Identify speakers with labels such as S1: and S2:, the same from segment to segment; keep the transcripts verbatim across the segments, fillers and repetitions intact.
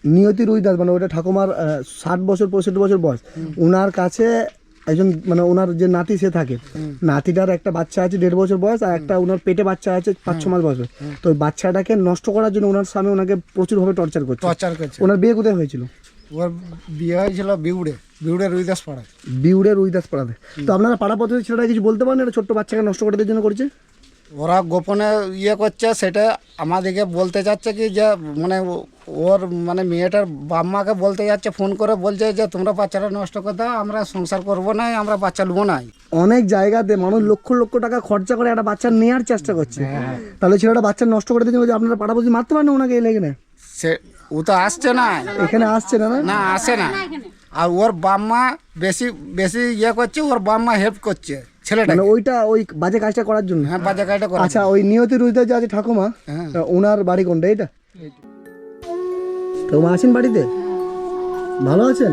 S1: নিয়তি রুইদাস মানে ওটা ঠাকুমার ষাট বছর পঁয়ষট্টি বছর বয়স, ওনার কাছে একজন মানে ওনার যে নাতি সে থাকে, নাতিটার একটা বাচ্চা আছে দেড় বছর বয়স আর একটা ওনার পেটে বাচ্চা আছে পাঁচ ছ মাস বয়স। তো ওই বাচ্চাটাকে নষ্ট করার জন্য ওনার স্বামী ওনাকে প্রচুরভাবে টর্চার করছে।
S2: টর্চার করছে।
S1: ওনার বিয়ে কোথায় হয়েছিল?
S2: ওর বিয়ে হয়েছিল বিউড়ে, বিউড়ে রুইদাস পাড়ায়।
S1: বিউড়ে রুইদাস পাড়াতে। তো আপনারা পাড়া পদ্ধতি ছেলেটা কিছু বলতে পারেন এটা ছোট্ট বাচ্চাকে নষ্ট করে দেওয়ার জন্য করছে?
S2: ওরা গোপনে ইয়ে করছে, সেটা আমাদেরকে বলতে যাচ্ছে কি যে মানে ওর মানে মেয়েটার বাম্মাকে বলতে যাচ্ছে, ফোন করে বলছে যে তোমরা বাচ্চাটা নষ্ট করে দাও, আমরা সংসার করবো না, আমরা বাচ্চা নেবো না।
S1: অনেক জায়গাতে মানুষ লক্ষ লক্ষ টাকা খরচা করে একটা বাচ্চা নেওয়ার চেষ্টা করছে, তাহলে ছেলেটা বাচ্চা নষ্ট করে দিয়েছে। আপনারা পাড়া পদ্ধতি মারতে পারেন ওনাকে এলে এখানে?
S2: সে ও তো আসছে না
S1: এখানে, আসছে না
S2: না আসে না। আর ওর বাম্মা বেশি বেশি ইয়ে করছে, ওর বাম্মা হেল্প করছে ছেলেটা,
S1: মানে ওইটা ওই বাজে কাজটা করার জন্য।
S2: হ্যাঁ বাজে কাজটা করে।
S1: আচ্ছা, ওই নিয়তি রুইদাস যে আছে ঠাকুমা, ওনার বাড়ি কোনটা? এটা ঠাকুমা আছেন বাড়িতে? ভালো আছেন?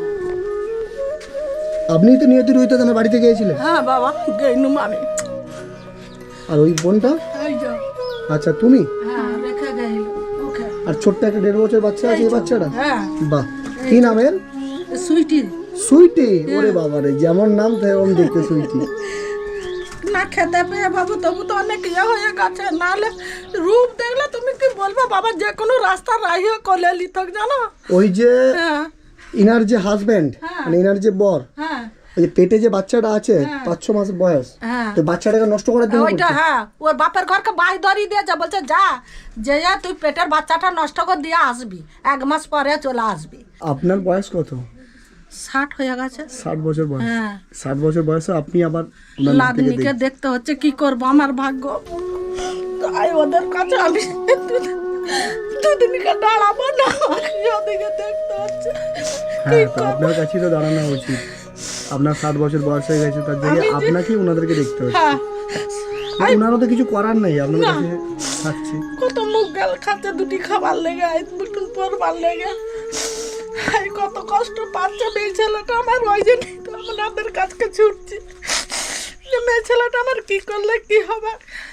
S1: আপনি তো নিয়তি রুইদাস আমার বাড়িতে গিয়েছিলেন?
S3: হ্যাঁ বাবা গেইনুম আমি।
S1: আর ওই বোনটা?
S3: এই যে
S1: আচ্ছা তুমি?
S3: হ্যাঁ রেখে গেইল ওকে।
S1: আর ছোট্ট একটা দেড় বছর বাচ্চা আছে এই বাচ্চাটা?
S3: হ্যাঁ।
S1: বাহ, কি নামের?
S3: সুইটি।
S1: সুইটি? ওরে বাবা রে, যেমন নাম তেমন দেখতে সুইটি।
S3: না খেতে পেয়ে বাবু তবু তো অনেক ইয়ে হয়ে গেছে, নাহলে রূপ দেখলে তুমি কি বলবো বাবা, যে কোনো রাস্তা রাহিয়ে কলে লিথক জানো।
S1: ওই যে
S3: হ্যাঁ
S1: ইনার যে হাজবেন্ড মানে ইনার যে বর,
S3: হ্যাঁ
S1: ওই যে পেটে যে বাচ্চাটা আছে পাঁচ ছ মাস বয়স,
S3: হ্যাঁ
S1: তো বাচ্চাটাকে নষ্ট করার জন্য
S3: ওইটা। হ্যাঁ ওর বাপের ঘরকে বাই ধরিয়ে দিয়েছে, বলছে যা যে যা তুই পেটের বাচ্চাটা নষ্ট করে দিয়ে আসবি, এক মাস পরে চলে আসবি।
S1: আপনার বয়স কত?
S3: ষাট হয়ে গেছে।
S1: ষাট বছর বয়স?
S3: হ্যাঁ
S1: ষাট বছর বয়সে আপনি আবার ওনার নাতিকে
S3: লাদনিকে
S1: দেখছেন।
S3: দেখতে হচ্ছে, কি করবো আমার ভাগ্য। তাই ওদের কাছে আমি দুদিনকে দাঁড়াবো না, ওদিকে দেখতে হচ্ছে।
S1: হ্যাঁ, তো আপনার কাছেই তো দাঁড়ানো উচিত। আপনার ষাট বছর বয়স হয়ে গেছে, তার জন্য আপনাকেই ওনাদেরকে দেখতে হচ্ছে।
S3: হ্যাঁ
S1: ওনারও তো কিছু করার নেই, আপনার কাছে থাকছে।
S3: কত মুখ গাল খাচ্ছে দুটি খাবার লেগে, এই দুটুন পরবার লেগে, এই কত কষ্ট পাচ্ছে মেয়ে ছেলেটা আমার। ওই জন্যই তো আপনাদের কাছকে ছুটছি যে মেয়ে ছেলেটা আমার কি করলে কি হবে।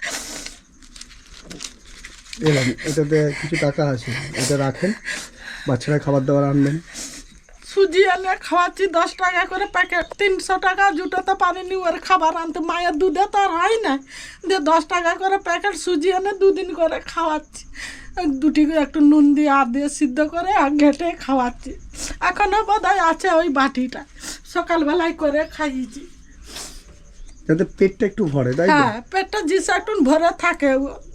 S1: এলাম, এটাতে কিছু টাকা আছে, এটা রাখেন, বাচ্চারা খাবার দাবার আনবেন।
S3: সুজি এনে খাওয়াচ্ছি দশ টাকা করে প্যাকেট, তিনশো টাকা জুটাতে পারিনি ওর খাবার আনতে, মায়ের দুধে তো আর হয় না, দিয়ে দশ টাকা করে প্যাকেট সুজি এনে দুদিন করে খাওয়াচ্ছি। ওই দুটি একটু নুন দিয়ে আর দিয়ে সিদ্ধ করে আর ঘেটে খাওয়াচ্ছি। এখনও বোধহয় আছে ওই বাটিটা, সকালবেলায় করে খাইয়েছি।
S1: যাতে পেটটা একটু ভরে, তাই তো?
S3: হ্যাঁ পেটটা জিসা একটু ভরে থাকে।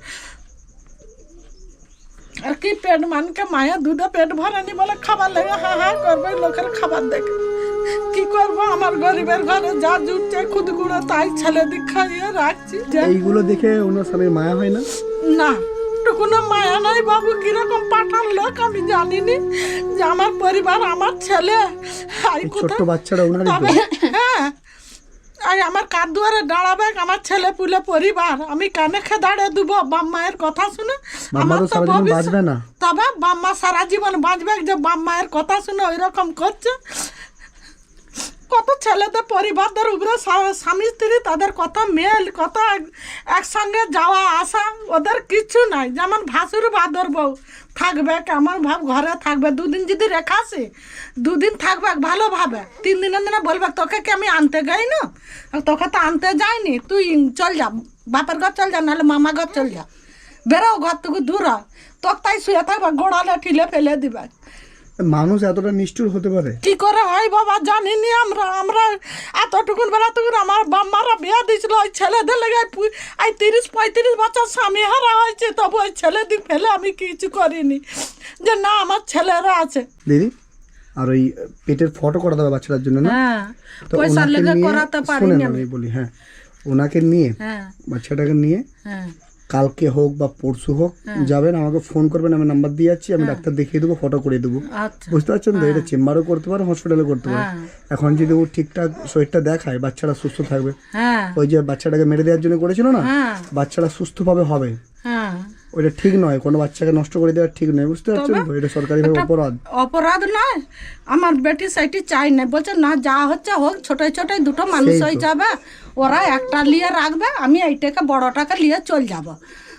S3: আর কি পেট মানকে মায়ের দুধে পেট ভরেনি বলে খাবার লেগে হা হা করবে লোকের খাবার দেখে। কি করবো, আমার গরিবের ঘরে যা জুটছে খুদগুড়ো তাই ছেলে দিক খাইয়ে রাখছি।
S1: এইগুলো দেখে ওনার স্বামীর মায়া হয় না?
S3: না টুকুনো মায়া নাই বাবু, কিরকম পাঠান লোক আমি জানিনি, যে আমার পরিবার আমার ছেলে
S1: ছোট্ট বাচ্চারা ওনারই তো।
S3: হ্যাঁ আর আমার কার দুয়ারে দাঁড়াবে আমার ছেলে পুলে পরিবার, আমি কানে খে দাঁড়িয়ে দেবো বাপ মায়ের কথা শুনে? আমার তো
S1: বাঁচবে না।
S3: তবে বাম্মা সারা জীবন বাঁচবে, যে বাপ মায়ের কথা শুনে ওই রকম করছে। কত ছেলেদের পরিবারদের উপরে স্বামী স্ত্রী তাদের কত মেল, কত একসঙ্গে যাওয়া আসা, ওদের কিছু নাই। যেমন ভাসুর বাদর বউ থাকবে কেমন ভাব ঘরে থাকবে, দুদিন যদি রেখা আসে দুদিন থাকবে ভালোভাবে, তিন দিনের দিনে বলবে তোকে কি আমি আনতে যাই না, তোকে তো আনতে যাইনি, তুই চল যা বাপের ঘর চল যা, নাহলে মামা ঘর চল যা, বেরো ঘর থেকে দূর হ, তোকে তাই শুয়ে থাকবে, গোড়ালে ঠিলে ফেলে দিবে।
S1: মানুষ এতটা নিষ্ঠুর হতে পারে?
S3: কি করে হয় বাবা জানিনি আমরা। আমরা এতটুকুন বেলা তখন আমার বাম্মারা বিয়া দিয়েছিল ওই ছেলেদের লেগে, এই তিরিশ পঁয়ত্রিশ বছর স্বামী হারা হয়েছে, তবু ওই ছেলে দিক ফেলে আমি কিছু করিনি, যে না আমার ছেলেরা আছে।
S1: দিদি, আর ওই পেটের ফটো করা দেবে বাচ্চাটার জন্য না?
S3: হ্যাঁ
S1: তো
S3: পয়সা
S1: ওনাকে
S3: লেগে
S1: নিয়ে-
S3: করাতে
S1: শোনেন,
S3: পারিনি আমি।
S1: আমি বলি, হ্যাঁ ওনাকে নিয়ে
S3: হ্যাঁ
S1: বাচ্চাটাকে নিয়ে
S3: হ্যাঁ
S1: কালকে হোক বা পরশু হোক যাবেন, আমাকে ফোন করবেন, আমি নাম্বার দিয়ে যাচ্ছি, আমি ডাক্তার দেখিয়ে দেবো, ফটো করে দেবো।
S3: আচ্ছা
S1: বুঝতে পারছেন তো? এটা চেম্বারও করতে পারে, হসপিটালে করতে পারে।
S3: হ্যাঁ
S1: এখন যদি ও ঠিকঠাক শরীরটা দেখায়, বাচ্চারা সুস্থ থাকবে।
S3: হ্যাঁ
S1: ওই যে বাচ্চাটাকে মেরে দেওয়ার জন্য করেছিল না,
S3: হ্যাঁ
S1: বাচ্চারা সুস্থভাবে হবে,
S3: হ্যাঁ
S1: ওইটা ঠিক নয়, কোনো বাচ্চাকে নষ্ট করে দেওয়া ঠিক নয়। বুঝতে পারছেন তো? এটা সরকারিভাবে অপরাধ।
S3: অপরাধ নয়, আমার বেটি সাইটি চাই না, বলছে না যা হচ্ছে হোক, ছোটোই ছোটোই দুটো মানুষ হয়ে যাবে, ওরা একটা নিয়ে রাখবে, আমি এইটাকে বড়টাকে নিয়ে চল যাব।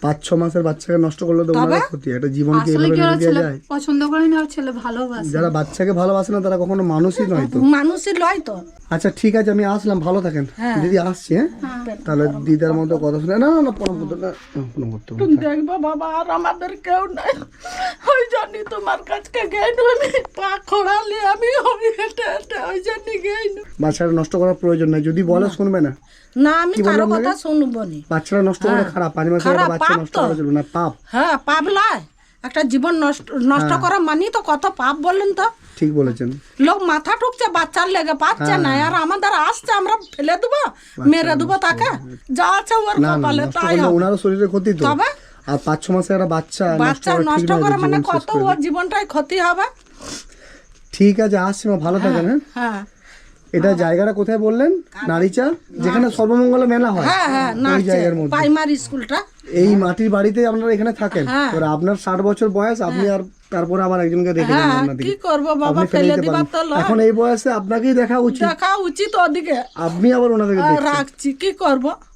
S1: পাঁচ ছ মাসের বাচ্চাকে নষ্ট করলে তো ওনার ক্ষতি, একটা জীবনকে
S4: আসলে
S1: এভাবে
S4: কি ওরা
S1: নিয়ে দেওয়া
S4: ছেলে
S1: যায়?
S4: পছন্দ করে না, ওর ছেলে ভালোবাসে।
S1: যারা বাচ্চাকে ভালোবাসে না তারা কখনো মানুষই নয় তো।
S3: মানুষই লয় তো।
S1: আচ্ছা ঠিক আছে, আমি আসলাম, ভালো থাকেন দিদি, আসছি হ্যাঁ। তাহলে দিদার মতো কথা শুনে না না না প্রণাম করতে না, প্রণাম করতে হবে।
S3: তুমি দেখবো বাবা আর আমাদের কেউ নাই, ওই জন্য তোমার কাছকে গেইনু, আমি পা খোড়ালে আমি ওই হেঁটে হেঁটে ওই জন্য গেইনু।
S1: বাচ্চারা নষ্ট করার প্রয়োজন নাই, যদি বলে শুনবে না।
S3: না আমি কারো কথা শুনবো নি।
S1: বাচ্চারা নষ্ট করে খারাপ, পাঁচ মাসের একটা
S3: খারাপ,
S1: বাচ্চা
S3: পাপ
S1: নষ্ট
S3: তো।
S1: করা চলবে না, পাপ।
S3: হ্যাঁ পাপ লয়, একটা জীবন নষ্ট নষ্ট করা মানি তো কত পাপ বলেন তো।
S1: ঠিক বলেছেন।
S3: লোক মাথা ঠুকছে বাচ্চার লেগে, পাচ্ছে না, আর আমাদের আসছে আমরা ফেলে দেবো, মেরে দেবো তাকে, যা আছে ওর
S1: না না,
S3: কপালে
S1: নষ্ট
S3: তাই
S1: করলে
S3: হবে।
S1: ওনারও শরীরে ক্ষতি তো।
S3: তবে
S1: আর পাঁচ ছ মাসের একটা বাচ্চা নষ্ট
S3: বাচ্চা
S1: করা ঠিক
S3: নষ্ট
S1: নয়,
S3: করে মানে
S1: জীবন শেষ
S3: কত
S1: করে
S3: ওর
S1: দেবে।
S3: জীবনটাই ক্ষতি হবে।
S1: ঠিক আছে, আসছি মা, ভালো থাকেন হ্যাঁ।
S3: হ্যাঁ
S1: এটা জায়গাটা কোথায় বললেন? নারীচা, যেখানে সর্বমঙ্গলা মেলা হয়,
S3: হ্যাঁ হ্যাঁ
S1: ওই
S3: নাচছে
S1: জায়গার মধ্যে।
S3: প্রাইমারি স্কুলটা।
S1: এই মাটির বাড়িতে আপনারা এখানে থাকেন।
S3: হ্যাঁ।
S1: এবার আপনার ষাট বছর বয়স, আপনি আর তারপরে আবার একজনকে রেখে দেন
S3: হ্যাঁ
S1: আপনাদের।
S3: কি করবো বাবা,
S1: আপনি ফেলে
S3: ফেলে
S1: দিতে
S3: দিবার
S1: পারেন।
S3: তো লয়।
S1: এখন এই বয়সে আপনাকেই দেখা উচিত,
S3: দেখা উচিত ওদিকে,
S1: আপনি আবার ওনাদেরকে
S3: আর
S1: দেখছেন।
S3: রাখছি কি করবো।